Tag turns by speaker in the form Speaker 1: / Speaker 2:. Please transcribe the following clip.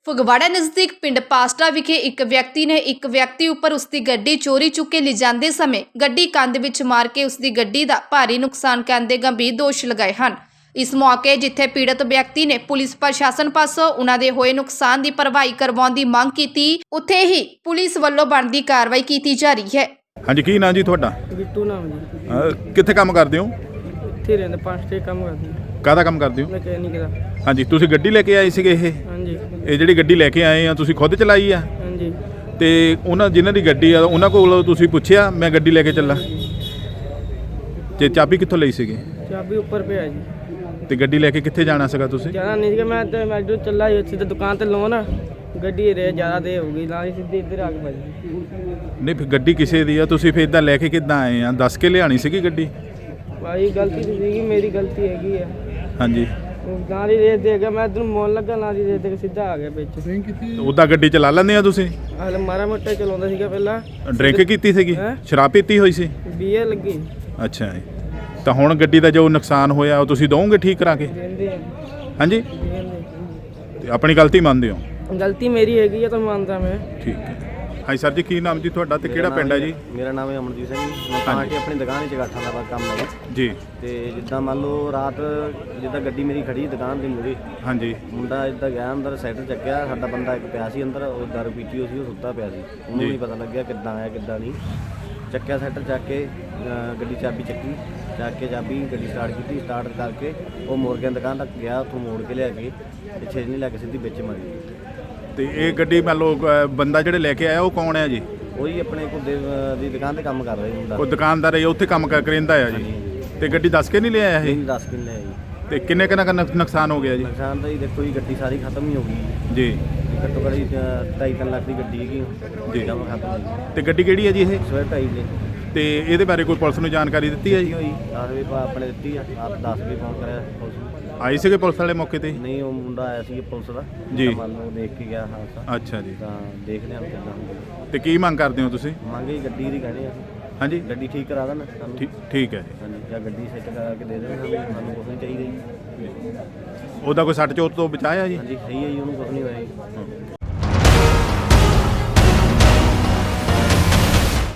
Speaker 1: ਫਗਵਾੜਾ ਨਜ਼ਦੀਕ ਪਿੰਡ ਪਾਸਟਾ ਵਿਖੇ ਇੱਕ ਵਿਅਕਤੀ ਨੇ ਇੱਕ ਵਿਅਕਤੀ ਉੱਪਰ ਉਸਦੀ ਗੱਡੀ ਚੋਰੀ ਚੁੱਕ ਕੇ ਲਿਜਾਂਦੇ ਸਮੇਂ ਗੱਡੀ ਕੰਧ ਵਿੱਚ ਮਾਰ ਕੇ ਉਸਦੀ ਗੱਡੀ ਦਾ ਭਾਰੀ ਨੁਕਸਾਨ ਕਰਨ ਦੇ ਗੰਭੀਰ ਦੋਸ਼ ਲਗਾਏ ਹਨ। ਇਸ ਮੌਕੇ ਜਿੱਥੇ ਪੀੜਤ ਵਿਅਕਤੀ ਨੇ ਪੁਲਿਸ ਪ੍ਰਸ਼ਾਸਨ ਪਾਸੋਂ ਉਹਨਾਂ ਦੇ ਹੋਏ ਨੁਕਸਾਨ ਦੀ ਭਰਵਾਈ ਕਰਵਾਉਣ ਦੀ ਮੰਗ ਕੀਤੀ, ਉੱਥੇ ਹੀ ਪੁਲਿਸ ਵੱਲੋਂ ਬਣਦੀ ਕਾਰਵਾਈ ਕੀਤੀ ਜਾ ਰਹੀ ਹੈ।
Speaker 2: ਹਾਂਜੀ, ਕੀ ਨਾਂ ਜੀ ਤੁਹਾਡਾ?
Speaker 3: ਬਿੱਟੂ ਨਾਮ ਜੀ।
Speaker 2: ਕਿੱਥੇ ਕੰਮ ਕਰਦੇ ਹੋ?
Speaker 3: ਇੱਥੇ ਰਹਿੰਦੇ 5 ਤੇ ਕੰਮ ਕਰਦੇ
Speaker 2: ਕਾਹਦਾ ਕੰਮ ਕਰਦੇ ਹੋ?
Speaker 3: ਮਕੈਨਿਕ ਦਾ।
Speaker 2: ਹਾਂਜੀ, ਤੁਸੀਂ ਗੱਡੀ ਲੈ ਕੇ ਆਏ ਸੀਗੇ?
Speaker 3: ਹਾਂਜੀ
Speaker 2: ਇਹ ਜਿਹੜੀ ਗੱਡੀ ਲੈ ਕੇ ਆਏ ਆ ਤੁਸੀਂ ਖੁਦ ਚਲਾਈ ਆ?
Speaker 3: ਹਾਂਜੀ।
Speaker 2: ਤੇ ਉਹਨਾਂ ਜਿਨ੍ਹਾਂ ਦੀ ਗੱਡੀ ਆ ਉਹਨਾਂ ਕੋਲ ਤੁਸੀਂ ਪੁੱਛਿਆ ਮੈਂ ਗੱਡੀ ਲੈ ਕੇ ਚੱਲਾਂ? ਤੇ ਚਾਬੀ ਕਿੱਥੋਂ ਲਈ ਸੀਗੀ?
Speaker 3: ਚਾਬੀ ਉੱਪਰ ਪਿਆ ਜੀ।
Speaker 2: ਤੇ ਗੱਡੀ ਲੈ ਕੇ ਕਿੱਥੇ ਜਾਣਾ ਸੀਗਾ ਤੁਸੀਂ?
Speaker 3: ਜਾਣਾ ਨਹੀਂ ਕਿ ਮੈਂ ਇੱਧਰ ਚੱਲਾ ਸਿੱਧਾ ਦੁਕਾਨ ਤੇ ਲਾਉਣ, ਗੱਡੀ ਰੇ ਜ਼ਿਆਦਾ ਦੇ ਹੋ ਗਈ ਨਾਲ ਹੀ ਸਿੱਧੀ ਇੱਧਰ ਆ ਕੇ ਵੱਜੀ।
Speaker 2: ਨਹੀਂ, ਫਿਰ ਗੱਡੀ ਕਿਸੇ ਦੀ ਆ, ਤੁਸੀਂ ਫਿਰ ਇਦਾਂ ਲੈ ਕੇ ਕਿੱਦਾਂ ਆਏ ਆ? ਦੱਸ ਕੇ ਲਿਆਣੀ ਸੀਗੀ ਗੱਡੀ?
Speaker 3: ਭਾਈ ਗਲਤੀ ਨਹੀਂ ਸੀਗੀ, ਮੇਰੀ ਗਲਤੀ ਹੈਗੀ ਆ।
Speaker 2: ਹਾਂਜੀ,
Speaker 3: ਨਾਲ ਹੀ ਰੇਸ ਦੇ ਗਿਆ, ਮੈਂ ਇੱਧਰ ਮੋਨ ਲੱਗਾ, ਨਾਲ ਹੀ ਰੇਸ ਦੇ ਕੇ ਸਿੱਧਾ ਆ ਗਿਆ ਵਿੱਚ।
Speaker 2: ਉੱਦਾਂ ਗੱਡੀ ਚਲਾ ਲੈਂਦੇ ਆ ਤੁਸੀਂ?
Speaker 3: ਹਾਲੇ ਮਾਰਾ ਮੋਟਾ ਚਲਾਉਂਦਾ ਸੀਗਾ ਪਹਿਲਾਂ।
Speaker 2: ਡਰਿੰਕ ਕੀਤੀ ਸੀਗੀ?
Speaker 3: ਹੈਂ?
Speaker 2: ਸ਼ਰਾਬ ਪੀਤੀ ਹੋਈ ਸੀ?
Speaker 3: ਬੀਏ ਲੱਗੀ।
Speaker 2: ਅੱਛਾ ਜੀ। ਤਾਂ ਹੁਣ ਗੱਡੀ ਦਾ ਜੋ ਨੁਕਸਾਨ ਹੋਇਆ ਉਹ ਤੁਸੀਂ ਦੋਗੇ ਠੀਕ ਕਰਾ ਕੇ?
Speaker 3: ਦਿੰਦੇ ਆ
Speaker 2: ਹਾਂਜੀ,
Speaker 3: ਦਿੰਦੇ।
Speaker 2: ਤੇ ਆਪਣੀ ਗਲਤੀ ਮੰਨਦੇ ਹੋ?
Speaker 3: ਗਲਤੀ ਮੇਰੀ ਹੈਗੀ ਆ ਤਾਂ ਮੰਨਦਾ ਮੈਂ।
Speaker 2: ਠੀਕ ਹੈ। ਹਾਂਜੀ ਸਰ ਜੀ, ਕੀ ਨਾਮ ਜੀ ਤੁਹਾਡਾ ਤੇ ਕਿਹੜਾ ਪਿੰਡ ਹੈ ਜੀ?
Speaker 4: ਮੇਰਾ ਨਾਮ ਹੈ ਅਮਨਜੀਤ ਸਿੰਘ ਜੀ। ਮੈਂ ਤਾਂ ਕਿ ਆਪਣੀ ਦੁਕਾਨ 'ਚ ਗਾਠਾਂ ਦਾ ਕੰਮ ਹੈ
Speaker 2: ਜੀ।
Speaker 4: ਤੇ ਜਿੱਦਾਂ ਮੰਨ ਲਓ ਰਾਤ ਜਿੱਦਾਂ ਗੱਡੀ ਮੇਰੀ ਖੜੀ ਦੁਕਾਨ ਦੇ ਮੂਹਰੇ,
Speaker 2: ਹਾਂਜੀ।
Speaker 4: ਮੁੰਡਾ ਇੱਦਾਂ ਗਿਆ ਅੰਦਰ ਸਾਈਕਲ ਚੱਕਿਆ, ਸਾਡਾ ਬੰਦਾ ਇੱਕ ਪਿਆ ਸੀ ਅੰਦਰ, ਉਹ ਦਾਰੂ ਪੀਤੀ ਹੋਈ ਸੀ, ਉਹ ਸੁੱਤਾ ਪਿਆ ਸੀ, ਉਹਨੂੰ ਨਹੀਂ ਪਤਾ ਲੱਗਿਆ ਕਿੱਦਾਂ ਆਇਆ ਕਿੱਦਾਂ ਨਹੀਂ। ਚੱਕਿਆ ਸਾਈਕਲ ਚੱਕ ਕੇ ਗੱਡੀ ਚਾਬੀ ਚੱਕੀ, ਚੱਕ ਕੇ ਚਾਬੀ ਗੱਡੀ ਸਟਾਰਟ ਕੀਤੀ, ਸਟਾਰਟ ਕਰਕੇ ਉਹ ਮੋੜ ਕੇ ਦੁਕਾਨ ਤੱਕ ਗਿਆ, ਉੱਥੋਂ ਮੋੜ ਕੇ ਲਿਆ ਕੇ ਪਿੱਛੇ ਨਹੀਂ ਲੈ ਕੇ ਸਿੱਧੀ ਵਿੱਚ ਮਾਰੀ।
Speaker 2: ਤੇ ਇਹ ਗੱਡੀ ਮੰਨ ਲਓ ਬੰਦਾ ਜਿਹੜੇ ਲੈ ਕੇ ਆਇਆ ਉਹ ਕੌਣ ਹੈ ਜੀ?
Speaker 4: ਉਹੀ ਆਪਣੇ ਘੁੱਦੇ ਦੀ ਦੁਕਾਨ ਤੇ ਕੰਮ ਕਰ ਰਿਹਾ ਮੁੰਡਾ।
Speaker 2: ਕੋਈ ਦੁਕਾਨਦਾਰ ਹੈ ਉੱਥੇ ਕੰਮ ਕਰਿੰਦਾ ਆ ਜੀ? ਤੇ ਗੱਡੀ ਦੱਸ ਕੇ ਨਹੀਂ ਲਿਆਇਆ ਇਹ?
Speaker 4: 10 ਕਿੱਲੇ ਜੀ।
Speaker 2: ਤੇ ਕਿੰਨੇ ਕੁ ਨੁਕਸਾਨ ਹੋ ਗਿਆ ਜੀ?
Speaker 4: ਨੁਕਸਾਨ ਤਾਂ ਜੀ ਦੇਖੋ ਜੀ, ਗੱਡੀ ਸਾਰੀ ਖਤਮ ਹੀ ਹੋ ਗਈ
Speaker 2: ਜੀ।
Speaker 4: ਘੱਟੋ ਘੱਟ 2.5 ਲੱਖ ਦੀ ਗੱਡੀ ਹੈਗੀ
Speaker 2: ਜੀ।
Speaker 4: ਜਮਾ ਖਤਮ ਜੀ।
Speaker 2: ਤੇ ਗੱਡੀ ਕਿਹੜੀ ਹੈ ਜੀ ਇਹ?
Speaker 4: ਸਵੇਰ 2.5 ਨੇ।
Speaker 2: ਤੇ ਇਹਦੇ ਬਾਰੇ ਕੋਈ ਪੁਲਿਸ ਨੂੰ ਜਾਣਕਾਰੀ ਦਿੱਤੀ ਹੈ ਜੀ?
Speaker 4: ਹੋਈ 10 ਵਜੇ ਆਪਣੇ ਦਿੱਤੀ ਆ, ਆਪ 10 ਵਜੇ ਫੋਨ ਕਰਿਆ ਪੁਲਿਸ ਨੂੰ।
Speaker 2: ਆਈ ਸੀਗੇ ਪੁਲਿਸ ਵਾਲੇ ਮੌਕੇ ਤੇ?
Speaker 4: ਨਹੀਂ, ਉਹ ਮੁੰਡਾ ਆਇਆ ਸੀ ਪੁਲਿਸ ਦਾ
Speaker 2: ਜੀ।
Speaker 4: ਤਾਂ ਮੰਨ ਲਓ ਦੇਖ ਕੇ ਗਿਆ ਹਾਦਸਾ।
Speaker 2: ਅੱਛਾ ਜੀ।
Speaker 4: ਤਾਂ ਦੇਖ ਲਿਆ ਕਿੱਦਾਂ ਹੁੰਦਾ।
Speaker 2: ਤੇ ਕੀ ਮੰਗ ਕਰਦੇ ਹੋ ਤੁਸੀਂ?
Speaker 4: ਮੰਗੇ ਗੱਡੀ ਦੀ ਕਹਿੰਦੇ ਆ,
Speaker 2: ਹਾਂਜੀ,
Speaker 4: ਗੱਡੀ ਠੀਕ ਕਰਾ ਦੇਣ ਸਾਨੂੰ।
Speaker 2: ਠੀਕ ਹੈ ਜੀ।
Speaker 4: ਹਾਂਜੀ, ਜਾਂ ਗੱਡੀ ਸੈੱਟ ਕਰਾ ਕੇ ਦੇ ਦੇਣ ਸਾਨੂੰ ਕੁਛ ਨਹੀਂ ਚਾਹੀਦਾ ਜੀ।
Speaker 2: ਉਹਦਾ ਕੋਈ ਸੱਟ ਚੋਟ ਤੋਂ ਬਚਾਇਆ ਜੀ?
Speaker 4: ਹਾਂਜੀ ਸਹੀ ਹੈ ਜੀ, ਉਹਨੂੰ ਕੁਛ ਨਹੀਂ ਹੋਇਆ ਜੀ।